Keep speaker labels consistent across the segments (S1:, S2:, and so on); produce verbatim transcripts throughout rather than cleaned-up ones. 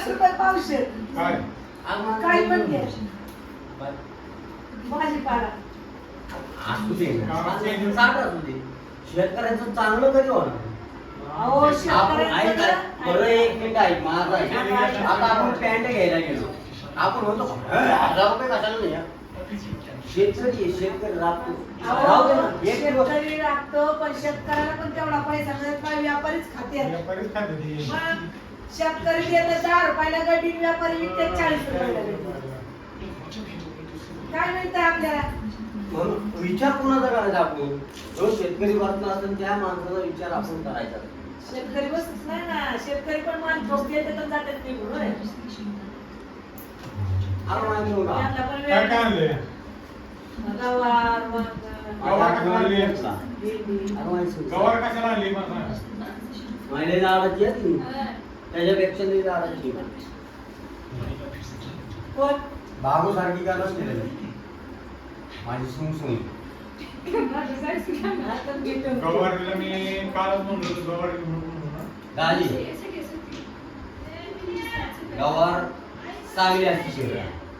S1: पन्नास रुपये पावशेर
S2: काय
S1: काय पण घे भाजीपाला
S3: असू दे साठ असू दे शेतकऱ्यांचं चांगलं कधी होणार
S1: अहो
S3: आपण
S1: शेतकऱ्यांचं
S3: ऐक
S1: ना-
S3: बरं एक मिनिट ऐक माझा ऐक. आता आपण पॅन्ट घ्यायला गेलो आपण होतो हजार रुपये कशाला नाही हा? शेतकरी आहे, शेतकरी राबतो राहू दे ना एक दिवस
S1: शेतकरी राबतो पण शेतकऱ्याला पण तेवढा पैसा मिळत नाही व्यापारीच खाते
S2: व्यापारीच खाते ती.
S1: मग शेतकरी देतात दहा रुपयाला गड्डी व्यापारी विकतात चाळीस रुपयाला गड्डी काय मिळतं आपल्याला
S3: म्हणून विचार कोणाचा करायचा आपण जो शेतकरी बसला असेल त्या माणसाचा विचार आपण करायचा
S1: शेतकरी बसत नाही ना शेतकरी पण मान ठोक येतात आणि जातात निघून होय.
S3: आपण माहिती होता
S1: त्यांना पण
S2: काय काय
S1: वेळ
S2: आणले
S1: गवार वांग,
S2: गवार कशाला आणली
S1: भेंडी.
S2: गवार कशाला आणली मला सांग.
S3: महिला झाडाची आहे ती त्याच्यापेक्षा नाही झाडाची
S1: कोण?
S3: बाबू सारखी का नसते माझी सून सून
S1: हातात घेतो.
S2: गवारीला मी कालच म्हणलो होतो, गवारी घेऊन म्हणून ना.
S3: गाली गवार चांगली असते शिवरा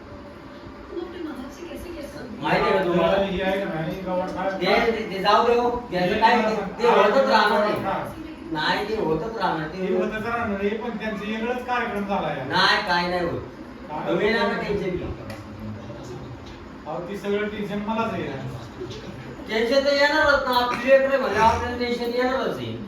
S3: माहिती आहे का तुम्हाला
S2: ही आहे का नाही, गवार काय-
S3: ते ते जाऊ देऊ त्याचं काय ते- ते होतच राहणार नाही नाही ते होतच राहणार
S2: हे
S3: ते
S2: होतं तर राहणार आहे, पण त्यांचा वेगळाच कार्यक्रम झाला आहे.
S3: नाही काय नाही होत तुम्ही ना टेन्शन घेऊ
S2: अहो, ती सगळं टेन्शन मलाच आहे.
S3: टेन्शन तर येणारच ना आपली लेकरं म्हणजे आपल्याला टेन्शन येणारच आहे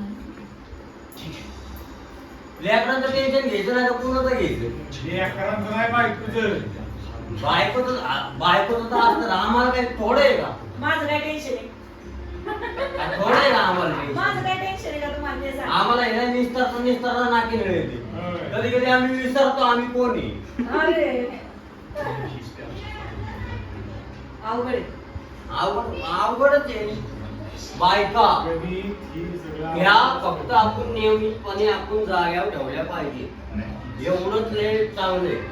S3: लेकरांचं टेन्शन घ्यायचं नाही तर कुणाचं घ्यायचं
S2: हे अकरांचं नाही बायकोचं.
S3: बायकोचं बायकोचं तर असतं आम्हाला काही थोडं आहे का
S1: माझं काय टेन्शन आहे
S3: काय थोडं आहे का आम्हाला
S1: माझं
S3: tension?
S1: काय टेन्शन आहे का तुम्हाला ते सांग.
S3: आम्हाला हे निस्तार निस्तार नाकी मिळते
S2: होय.
S3: कधी कधी आम्ही विसरतो आम्ही कोण आहे
S1: अरे अवघड आहे.
S3: अवघड अवघडच आहे बायका
S2: कधी ही सगळं-
S3: ह्या फक्त आपण नियमितपणे आपण जाग्यावर ठेवल्या पाहिजे एवढंच लय चांगलं आहे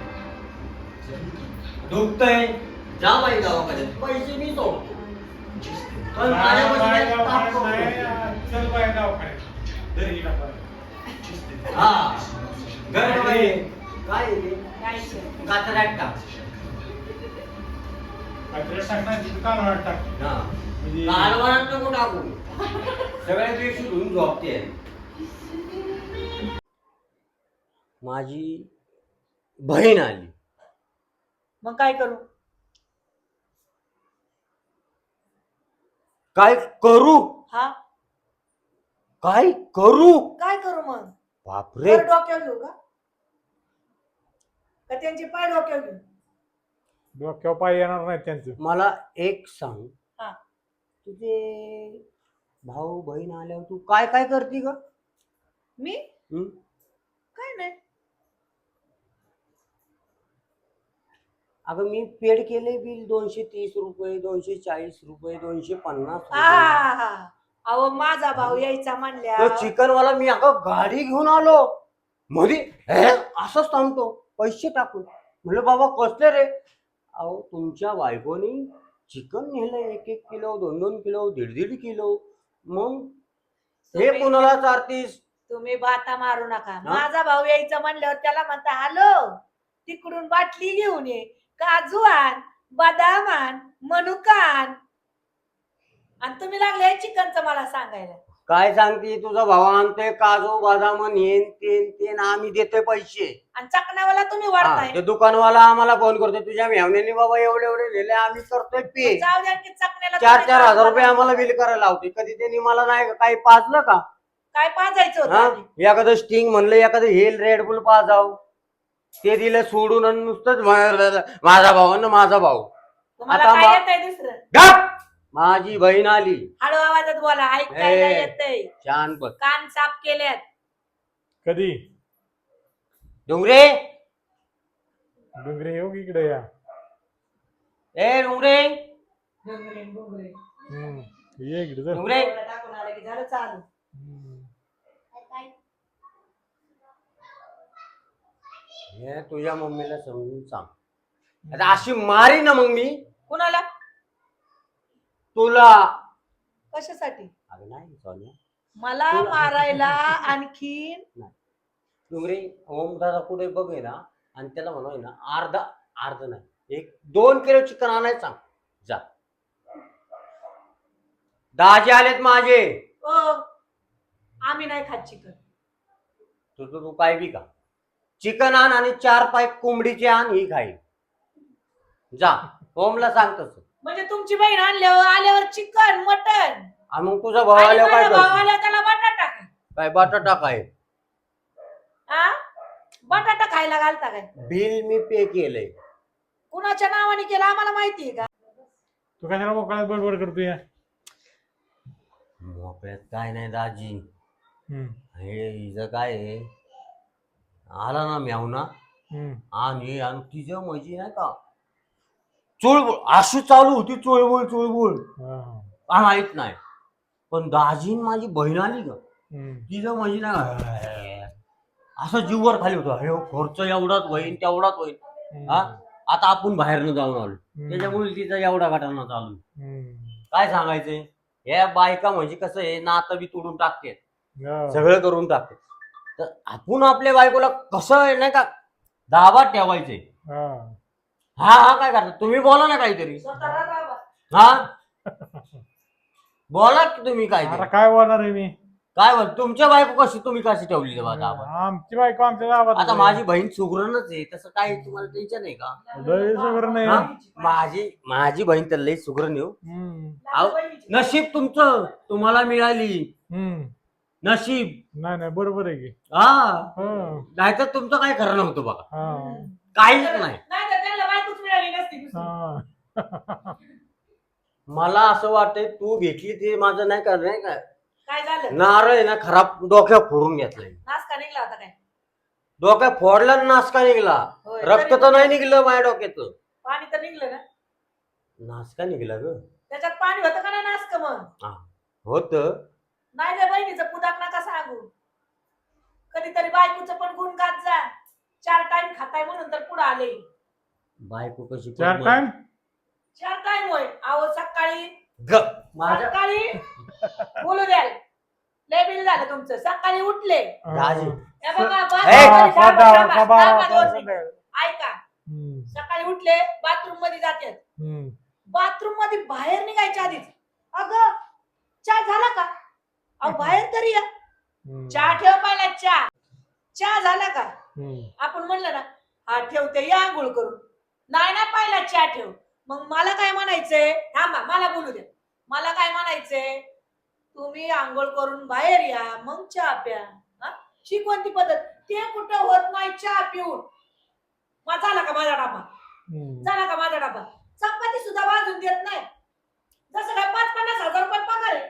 S3: दुखतंय जा बाई दवाखान्यात पैसे मी सोडतो पण
S2: बाय-
S3: माझ्यापाशी
S2: बाय
S3: काही ताप
S2: दवाखान्यात
S3: नको.
S2: नाही, चल बाय दवाखान्यात. धर हिला परत.
S3: हा घर बाई काय आहे ते?
S1: काय शेत.
S3: कातऱ्यात टाक
S2: काहीतरी टाकणार, तिथं कालवणात टाक.
S3: हा
S2: म्हणजे-
S3: कालवणात नको टाकू सगळ्या दिवशी धुवून झोपते माझी बहीण आली
S1: मग काय करू
S3: काय करू
S1: हा
S3: काय करू
S1: काय करू मग
S3: बापरे
S1: वर डोक्यावर घेऊ का का त्यांचे पाय डोक्यावर घेऊ
S2: डोक्यावर पाय येणार नाही त्यांचं.
S3: मला एक सांग
S1: हा.
S3: तुझे भाऊ बहीण आल्यावर तू काय काय करते ग
S1: मी
S3: हं?
S1: काय नाही
S3: अगं मी पेड केले बिल दोनशे तीस रुपये दोनशे चाळीस रुपये दोनशे पन्नास
S1: हा
S3: रुपये.
S1: हा हा अहो माझा भाऊ यायचा म्हणल्या
S3: तो चिकन वाला मी अगं गाडी घेऊन आलो मध्ये हे असंच थांबतो पैसे टाकून म्हणलं बाबा कसले रे अहो तुमच्या बायकोनी चिकन नेलं एक एक किलो दोन दोन किलो दीड दीड किलो मग हे
S1: तुम्ही-
S3: कुणाला चारतीस
S1: तुम्ही बाता मारू नका माझा भाऊ यायचा म्हणल्यावर त्याला म्हणता हॅलो तिकडून बाटली घेऊन ये काजू आण बदाम आण मनुका आण आणि तुम्ही लागले चिकनचं मला सांगायला
S3: काय सांगते तुझा भाऊ आणतोय काजू बदाम येन तेन तेन आम्ही देतोय पैसे
S1: आणि चकनावाला तुम्ही
S3: हा,
S1: वाढताय
S3: ते दुकानवाला आम्हाला फोन करतो तुझ्या मेहण्याने बाबा एवढे एवढे दिले आम्ही करतोय पे
S1: जाऊ द्या की चकण्याला
S3: चार
S1: तुम्ही
S3: चार
S1: काजू
S3: हजार रुपये
S1: बदाम-
S3: आम्हाला बिल करायला लावते कधी त्यांनी मला नाही काही पाजलं का
S1: काय पाजायचं होतं
S3: हा
S1: आधी?
S3: एखादं स्टिंग म्हणलं एखादं हेल रेड बुल पाजाव ते दिलं सोडून आणि नुसतंच म्हणायला, माझा भाऊ आणि माझा भाऊ
S1: तुम्हाला
S3: आता
S1: काय
S3: मा-
S1: येतंय दुसरं
S3: गप! माझी बहीण आली
S1: हळू आवाजात बोला ऐकायला
S3: ए.
S1: येतंय
S3: छान पण
S1: कान साफ केल्यात
S2: कधी
S3: डोंगरे
S2: डोंगरे येऊ की इकडे या.
S3: ए डोंगरे
S1: डोंगरे, डोंगरे.
S2: हम्म. ये इकडे चल.
S3: डोंगरे
S1: एवढं टाकून आलं की झालं चालू
S2: हम्म.
S3: हे तुझ्या मम्मीला समजून सांग आता अशी मारी ना मग मी
S1: कुणाला
S3: तुला
S1: कशासाठी
S3: अगं नाही सोन्या
S1: मला
S3: तुला-
S1: मारायला आणखीन
S3: नाही. डुंगरे ओम दादा कुठे बघे ना आणि त्याला म्हणून ना अर्धा अर्ध नाही एक दोन किलो चिकन आणायचं सांग जा. दाजी आलेत माझे.
S1: ओ आम्ही नाही खात चिकन.
S3: तू तू तू काय बी का चिकन आण आणि चार पाय कोंबडीचे आण ही खाई जा. ओमला सांग तसं.
S1: म्हणजे तुमची बहीण आणल्यावर आल्यावर चिकन मटन
S3: आणि मग तुझा भाऊ आल्यावर काय
S1: भाऊ
S3: करतो?
S1: आल्या त्याला बटाटा काय
S3: काय बटाटा काय
S1: आ बटाटा खायला घालता काय?
S3: बिल मी पे केलंय.
S1: कुणाच्या नावाने केलं आम्हाला माहितीये का?
S2: तू कशाला मोकळ्यात बडबड करतोय?
S3: मोकळ्यात काय नाही दाजी.
S2: हम्म,
S3: हे हिचं काय आहे आला ना म्यावना
S2: हम्म.
S3: आणि आणि तिचं म्हणजे नाही का चुळबुळ अशी चालू होती चुळबुळ चुळबुळ
S2: हा, हा.
S3: काय माहित नाही. पण दाजीन माझी बहीण आली का
S2: हम्म,
S3: तिचं म्हणजे ना असं जीववर खाली होतं. हे खर्च एवढाच होईल तेवढाच होईल. हा
S2: हम्म,
S3: आता आपण बाहेरनं जाऊन आलो
S2: हम्म.
S3: त्याच्यामुळे तिचा एवढा घटना चालू.
S2: हम्म.
S3: काय सांगायचंय या बायका म्हणजे कसं आहे नातं बी तोडून टाकते
S2: हा.
S3: सगळं करून टाकते. तर आपण आपल्या बायकोला कसं आहे नाही का दाबात ठेवायचंय.
S2: हा.
S3: हा हा काय करता तुम्ही बोला ना काहीतरी.
S1: स्वतःला दाबा.
S3: हा बोला की तुम्ही काय
S2: आता काय बोलणार आहे मी?
S3: काय बोल तुमच्या बायको कशी तुम्ही कशी ठेवली दाबात.
S2: आमची बायको आमच्या गावात
S3: आता माझी बहीण सुगरणच आहे तसं काय तुम्हाला टेन्शन आहे का?
S2: लय सगळं नाही.
S3: हा? माझी माझी बहीण तर लई सुगरण येऊ.
S2: हम्म,
S3: अहो, नशीब तुमचं तुम्हाला मिळाली
S2: हम्म.
S3: नशीब.
S2: नाही नाही बरोबर आहे की.
S3: हा
S2: हा,
S3: नाहीतर तुमचं काय खरं नव्हतं बघा
S2: हा,
S3: काहीच नाही.
S1: नाही तर त्यांना बायकोच मिळाली नसती दुसरी.
S2: हा.
S3: मला असं वाटतंय तू भेटली ते माझं नाही का नाही का
S1: काय झालं?
S3: नारळ आहे ना खराब डोक्या फोडून घेतलाय.
S1: नाश्ता निघला होता काय?
S3: डोक्या फोडला आणि नासका निघला.
S1: होय,
S3: रक्त
S1: तरी
S3: तर नाही निघलं माझ्या डोक्याचं.
S1: पाणी तर निघलं ना?
S3: नासका निघला ग.
S1: त्याच्यात पाणी होतं का नाही नाश्क मग?
S3: होत
S1: नाही रे बहिणीचं पुदाक नका सांगू. कधीतरी बायकोचं पण गुण गात जा. चार टाइम खाताय म्हणून तर पुढे आले.
S3: बायको कशी
S2: चार टाइम
S1: चार टाइम होय. अहो सकाळी
S3: ग माझ्या
S1: सकाळी बोलू द्याल लय बिल झालं तुमचं. सकाळी उठले
S3: राजी.
S1: हे बघा,
S2: हा,
S1: बाथरूममध्ये
S2: हा,
S1: थांबा,
S2: हा,
S1: थांबा,
S2: हा,
S1: थांबा
S2: हा,
S1: दोन
S2: हा,
S1: मिनिटं. ऐका
S2: हम्म,
S1: सकाळी उठले बाथरूम मध्ये जातात.
S2: हम्म,
S1: बाथरूम मध्ये बाहेर निघायच्या आधीच अगं चहा झाला का? अहो बाहेर तरी या.
S2: हम्म,
S1: चहा ठेव पाहिला. चहा चहा झाला का?
S2: हम्म.
S1: आपण म्हणलं ना हा ठेवते या आंघोळ करून. नाही ना पाहिला चहा ठेव. मग मला काय म्हणायचंय थांबा मला बोलू द्या. मला काय म्हणायचंय तुम्ही आंघोळ करून बाहेर या मग चहा प्या. हा ही कोणती पद्धत? ते कुठं होत नाही चहा पिऊन. मग झाला का माझा डाबा?
S2: हम्म.
S1: झाला का माझा डाबा? चपाती सुद्धा भाजून देत नाही. जसं काय पाच पन्नास हजार रुपये पगार आहे.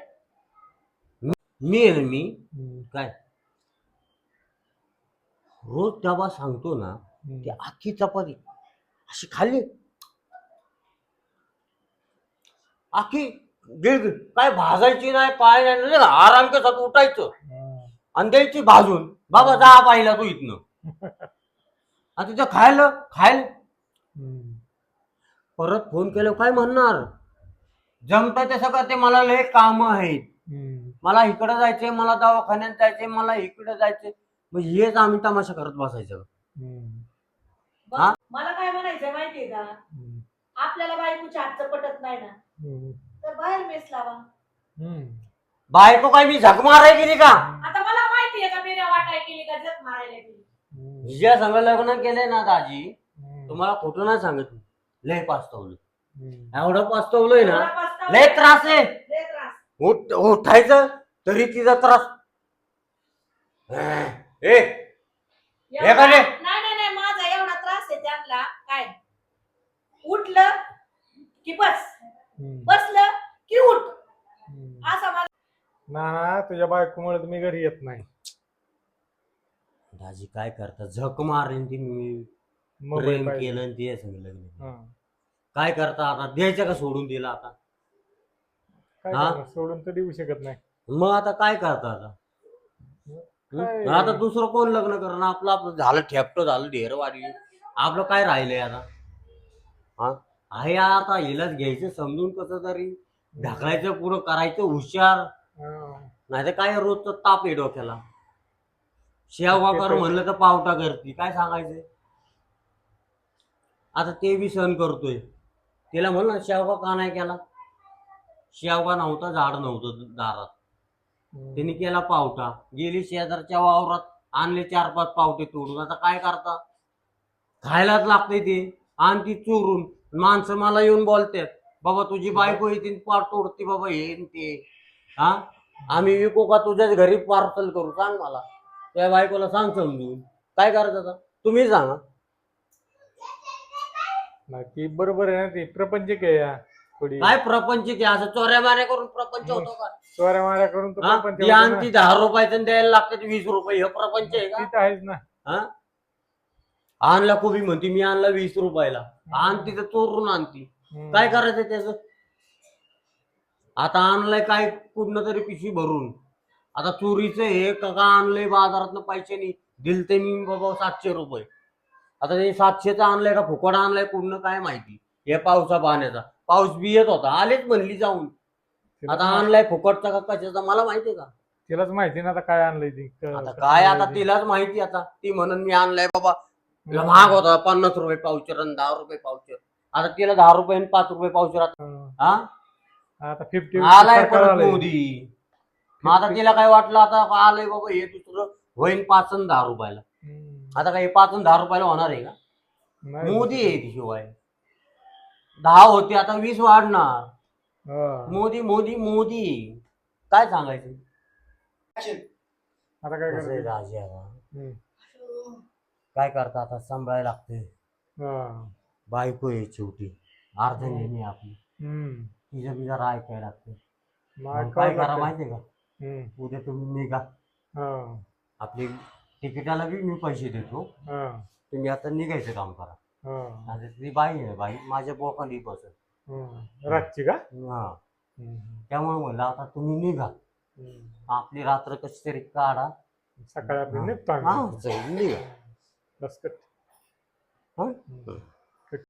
S3: मी आहे ना मी
S2: हम्म,
S3: काय रोज डबा सांगतो ना
S2: हम्म.
S3: की अख्खी चपाती अशी खाल्ली अख्खी गिळ काय भाजायची नाही काय नाही नाही का, आराम केसात उठायचं
S2: हा.
S3: आणि द्यायची भाजून. बाबा जा पाहिला तू इथनं आता तिथं खायला खायला
S2: हम्म,
S3: परत फोन केल्यावर काय म्हणणार जमतं ते सगळं ते मला लय काम आहेत.
S2: हम्म.
S3: मला इकडं जायचंय मला दवाखान्यात जायचंय मला इकडं जायचंय. मग हेच आम्ही तमाशा करत बसायचं.
S2: हम्म,
S1: बघ,
S3: हा?
S1: मला काय म्हणायचंय माहितीये का?
S2: हम्म,
S1: आपल्याला बायकोच्या हातचं पटत नाही ना
S2: हम्म,
S1: तर बाहेर मेस लावा.
S2: हम्म.
S3: बायको काय मी झक माराय गेली का?
S1: आता मला माहितीये का मेऱ्या वाटाय केली का जग मारायला गेली.
S2: हम्म,
S3: ज्या संग लग्न केलंय ना दाजी
S2: हम्म.
S3: तुम्हाला खोटं नाही सांगत मी. लय पास्तवलं
S2: हम्म.
S3: एवढं पास्तवलंय ना
S1: एवढा पस्तावा
S3: लय त्रास आहे.
S1: लय त्रास.
S3: उठ उठायचं तरी तिचा त्रास. ए
S1: एवढा-
S3: एखादे-
S1: नाही नाही नाही माझा एवढा त्रास आहे त्यांना काय उठलं की बस
S2: हम्म.
S1: बसलं की उठ
S2: हम्म.
S1: असा माझा.
S2: ना ना तुझ्या बायकोमुळे तर मी घरी येत नाही.
S3: दाजी काय करता झक मारली ती मी
S2: मोबाईल
S3: प्रेम
S2: पाहिजे.
S3: केलं आणि ते संग लग्न.
S2: हा.
S3: काय करता आता द्यायचं का सोडून दिला आता?
S2: काय
S3: हा?
S2: करणार? सोडून तर देऊ शकत नाही.
S3: मग आता काय करता आता?
S2: काय?
S3: हं? आता दुसरं कोण लग्न करणार? आपलं आपलं झालं ठेपटं झालं ढेर वाढली आपलं काय राहिलंय आता? हा आहे आता हिलाच घ्यायचं समजून कसं तरी ढकलायचं पुढं करायचं हुशार.
S2: हा.
S3: नाही तर काय रोजचं ताप आहे डोक्याला. शेवगा कर म्हणलं तर पावटा करते, काय सांगायचं. आता ते बी सहन करतोय. तिला म्हण ना शेवगा का नाही केला. शेवगा नव्हता, झाड नव्हतं दारात, त्यांनी केला पावटा. गेली शेजारच्या वावरात, आणले चार पाच पावटे तोडून. आता काय करता, खायलाच लागते ते. आणि ती चोरून माणसं मला येऊन बोलतात, बाबा तुझी बायको येते पार तोडते बाबा हे न ते. हा आम्ही विकू का तुझ्याच घरी पार्सल करू, सांग मला. त्या बायकोला सांग समजून. काय करायचं आता तुम्ही सांगा.
S2: बाकी बरोबर आहे ना, ते प्रपंच काय या थोडी
S3: काय प्रपंच की असं चोऱ्या माऱ्या करून प्रपंच होतो का.
S2: चोऱ्या माऱ्या करून तो
S3: हा?
S2: प्रपंच
S3: ती
S2: होतो ना.
S3: आणती दहा रुपयाचं द्यायला लागतात वीस रुपये, हे प्रपंच आहे का.
S2: ती तर आहेच ना.
S3: हा आणला कोबी म्हणती मी आणला वीस रुपयाला, आणती तर चोरून आणती.
S2: हम्म.
S3: काय करायचं त्याच. आता आणलंय काय कुठनं तरी पिशवी भरून. आता चोरीचं हे का आणलंय बाजारात पैसे नाही दिलते मी बाबा सातशे रुपये. आता ते सातशेचं आणलंय का फुकट आणलंय कुठनं काय माहिती. हे पावसा पाण्याचा पाऊस बी येत होता, आलेच म्हणली जाऊन. आता आणलाय फुकटचा का कशाचा मला माहितीये का.
S2: तिलाच माहिती ना आता काय आणलंय ती क-
S3: आता
S2: कसं
S3: काय
S2: आणलंय
S3: आता
S2: ते.
S3: तिलाच माहिती. आता ती म्हणून मी आणलाय बाबा, तिला महाग होता पन्नास रुपये पावशेर आणि दहा रुपये पावशेर. आता तिला दहा रुपये आणि पाच रुपये पावशेर.
S2: हं.
S3: हा
S2: आता फिफ्टी
S3: आलाय परत मोदी. मग आता तिला काय वाटलं आता आलंय बाबा हे दुसरं होईन पाच आणि दहा रुपयाला. आता काय पाच आणि दहा रुपयाला होणार आहे का. मोदी आहे ती शिवाय. दहा होते आता वीस वाढणार. मोदी मोदी मोदी काय सांगायचं.
S2: आता काय
S3: कसं आहे
S2: करायचं.
S3: राजे आता.
S2: हम्म.
S3: काय करता आता सांभाळायला लागते.
S2: हा.
S3: बायको आहे शेवटी अर्ध नेहमी आपली.
S2: हम्म.
S3: तिचं बी जरा ऐकायला लागते.
S2: मग
S3: मग काय
S2: ऐकावं
S3: करा
S2: लागतं.
S3: माहितीये का,
S2: हम्म.
S3: उद्या तुम्ही निघा.
S2: हा.
S3: आपली तिकिटाला बी मी पैसे देतो,
S2: हा.
S3: तुम्ही आता निघायचं काम करा.
S2: हा.
S3: आता ती बाई आहे बाई माझ्या बोकांनी बसत.
S2: हम्म. रातची का.
S3: हा
S2: हम्म.
S3: त्यामुळे म्हणलं आता तुम्ही निघा.
S2: हम्म.
S3: आपली रात्र कशी तरी काढा.
S2: सकाळी आपली
S3: हा.
S2: निघतो
S3: हा
S2: आम्ही.
S3: चल, निघा.
S2: बस कट.
S3: हा
S2: हम्म.